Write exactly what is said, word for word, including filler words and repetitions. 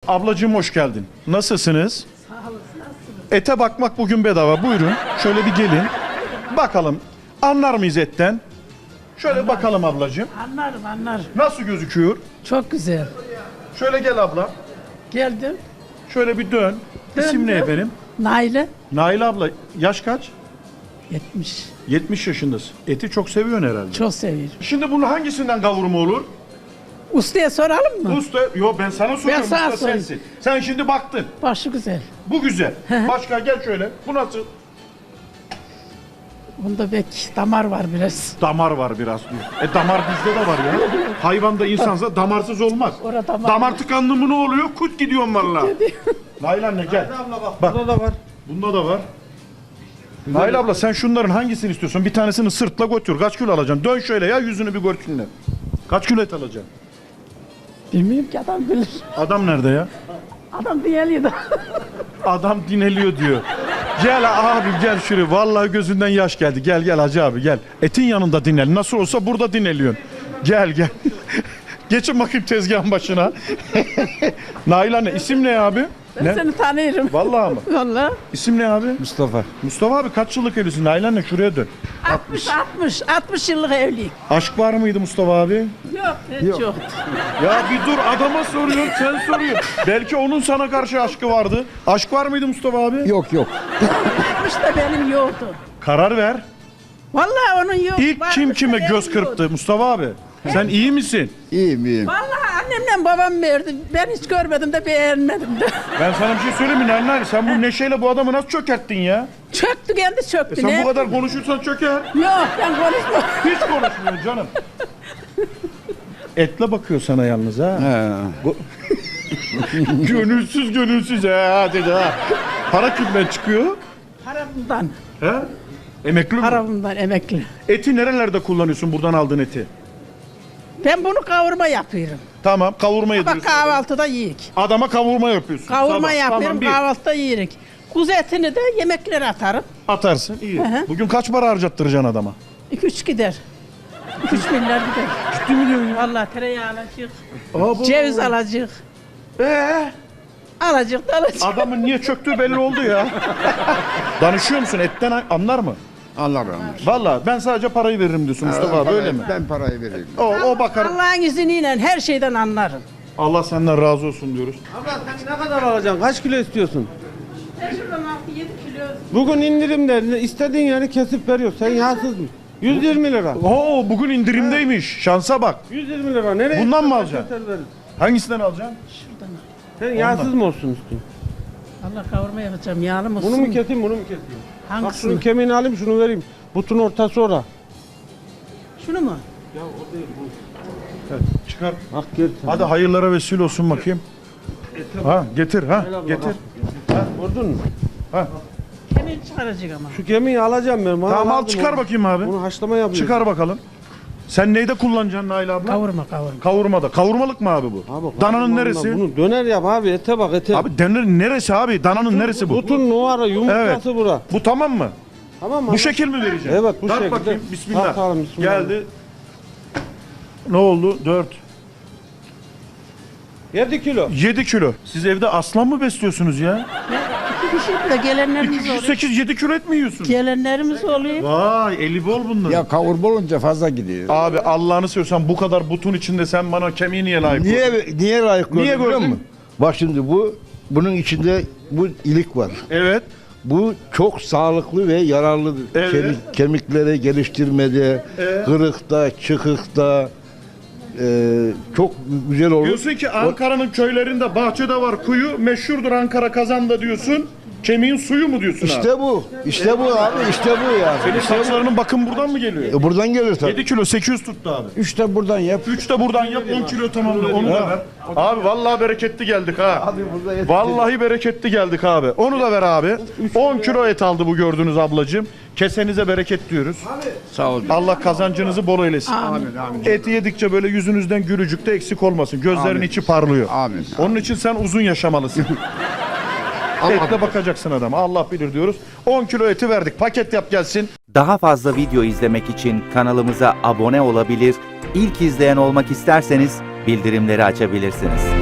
Ablacığım hoş geldin. Nasılsınız? Sağ olasın, nasılsınız? Ete bakmak bugün bedava. Buyurun. Şöyle bir gelin. Bakalım. Anlar mıyız etten? Şöyle bakalım ablacığım. Anlarım, anlarım. Nasıl gözüküyor? Çok güzel. Şöyle gel abla. Geldim. Şöyle bir dön. İsim ne Döndüm. efendim? Naile. Nail abla. Yaş kaç? yetmiş. yetmiş yaşındasın. Eti çok seviyorsun herhalde. Çok seviyorum. Şimdi bunun hangisinden kavurma olur? Ustaya soralım mı? Usta, yo ben sana soruyorum. sana Usta sorayım. sensin. Sen şimdi baktın. Başı güzel. Bu güzel. Başka gel şöyle. Bu nasıl? Bunda bek damar var biraz. Damar var biraz diyor. E damar bizde de var ya. Hayvanda insansa damarsız olmaz. Orada damar damar var. tıkandı mı ne oluyor? Kut gidiyorsun valla. Nail anne gel. Bak. Burada da var. Bunda da var. Nail abla sen şunların hangisini istiyorsun? Bir tanesini sırtla götür. Kaç kilo alacaksın? Dön şöyle ya yüzünü bir görsünler. Kaç kilo et alacaksın? Bilmiyorum ki adam bilir. Adam nerede ya? Adam diyeliyor da. Adam dineliyor diyor. Gel abi gel şuraya. Vallahi gözünden yaş geldi. Gel gel hacı abi gel. Etin yanında dinel. Nasıl olsa burada dineliyorsun. Gel gel. Geçin bakayım tezgahın başına. Nail anne isim ne abi? Ben Ne? seni tanıyorum. Vallahi mı? Vallahi. İsim ne abi? Mustafa. Mustafa abi kaç yıllık evlisin? Nail anne şuraya dön. altmış, altmış, altmış yıllık evliyim. Aşk var mıydı Mustafa abi? Yok, hiç yok. Ya bir dur adama soruyorsun sen soruyorsun. Belki onun sana karşı aşkı vardı. Aşk var mıydı Mustafa abi? Yok yok. altmış da benim yoktu. Karar ver. Vallahi onun yok. İlk Varmış kim da kime benim göz yoktu. kırptı Mustafa abi? Sen iyi misin? İyiyim iyiyim. Vallahi annemle babam verdi. Ben hiç görmedim de beğenmedim de. Ben sana bir şey söyleyeyim mi Nail Nail? Sen bu neşeyle bu adamı nasıl çökerttin ya? Çöktü kendi E çöktü. sen ne? bu kadar konuşursan çöker. Yok ben konuşmam. Hiç konuşmuyor canım. Etle bakıyor sana yalnız ha. He. Gönülsüz gönülsüz ha dedi ha. Para kimden çıkıyor? Paramdan. He? Emekli mi? Paramdan emekli. Eti nerelerde kullanıyorsun buradan aldığın eti? Ben bunu kavurma yapıyorum. Tamam kavurma Bak yediriyorsun. kahvaltıda yiyik. Adama kavurma yapıyorsun. Kavurma Sabah. yapıyorum Tamam, bir. kahvaltıda yiyik. Kuzu etini de yemeklere atarım. Atarsın iyi. hı. Bugün kaç para harcattıracaksın adama? iki üç gider. iki üç milyar gider. Ciddi mi diyorsun ya? Vallahi tereyağı alacak. Aa, bu- Ceviz alacak. Ee, Alacak da alacak. adamın niye çöktüğü belli oldu ya. Danışıyor musun? Etten anlar mı? Allah razı olsun. Vallahi ben sadece parayı veririm diyorsun Mustafa abi öyle mi? Ben parayı vereyim. O, o bakar. Allah'ın izniyle her şeyden anlarım. Allah senden razı olsun diyoruz. Abla sen ne kadar alacaksın? Kaç kilo istiyorsun? Sen şuradan altı yedi kilo. Bugün indirimde istediğin yeri kesip veriyor. Sen yağsız mı? yüz yirmi lira. Oo bugün indirimdeymiş. Şansa bak. yüz yirmi lira. Nereye? Bundan mı istiyorsan alacaksın? keser veririz. Hangisinden alacaksın? Şuradan. Sen yağsız mı olsun istiyorsun? Allah kavurma yapacağım. Yağlı mı olsun? Bunu mu keseyim, bunu mu keseyim? Bak Hangisini? şunun kemiğini alayım, şunu vereyim. Butun ortası ora. Şunu mu? Çıkar. Bak gel sen. Hadi hayırlara vesile olsun bakayım. Ha getir ha Gel abla, getir. bak. Gördün mü? Kemiğini çıkaracak ama. Şu kemiği alacağım ben. Bana Tamam al lazım çıkar o. bakayım abi. Bunu haşlama yapıyorum. Çıkar bakalım. Sen neyde kullanacaksın Nail abla? Kavurma kavurma. Kavurmada. Kavurmalık mı abi bu? Abi, Dananın kavurma neresi? Bunu döner yap abi. Ete bak ete. Abi dönerin neresi abi? Dananın neresi bu? Butun numara yumurtası Evet. bura. Bu tamam mı? Tamam mı? Bu şekil mi vereceğim? Evet, bu Tart şekilde. bakayım. Bismillah. Tartalım, bismillah. Geldi. Ne oldu? dört. yedi kilo. yedi kilo. Siz evde aslan mı besliyorsunuz ya? İki kişi de gelenlerimiz iki, oluyor. sekiz, yedi kilo et mi yiyorsun? Gelenlerimiz oluyor. Vay eli bol bunlar. Ya kavurma olunca fazla gidiyor. Abi Allah'ını seviyorsan bu kadar butun içinde sen bana kemiği niye layık Niye gördün? niye layık Niye gördün biliyor gördün? musun? Bak şimdi bu bunun içinde bu ilik var. Evet. Bu çok sağlıklı ve yararlı Evet. kemik, kemikleri geliştirmede, Evet. kırıkta, çıkıkta e, çok güzel olur. Diyorsun ki Ankara'nın köylerinde bahçede var kuyu, meşhurdur Ankara kazanda diyorsun. Kemiğin suyu mu diyorsun abi? İşte bu. İşte bu abi. İşte bu yani. Senin saçlarının bakım buradan mı geliyor? E, buradan gelir tabii. yedi kilo sekiz yüz tuttu abi. Üç de buradan yap. üç de buradan yap on kilo tamamla onu da ver. Abi vallahi bereketli geldik ha. Abi burada et- Vallahi bereketli geldik abi. Onu da ver abi. on kilo et aldı bu gördüğünüz ablacığım. Kesenize bereket diyoruz. Sağ ol. Allah kazancınızı bol eylesin. Amin. Amin. Eti yedikçe böyle yüzünüzden gülücük de eksik olmasın. Gözlerin Amin. içi parlıyor. Amin. Onun için sen uzun yaşamalısın. Etle bakacaksın adama. Allah bilir diyoruz. on kilo eti verdik. Paket yap gelsin. Daha fazla video izlemek için kanalımıza abone olabilir, ilk izleyen olmak isterseniz bildirimleri açabilirsiniz.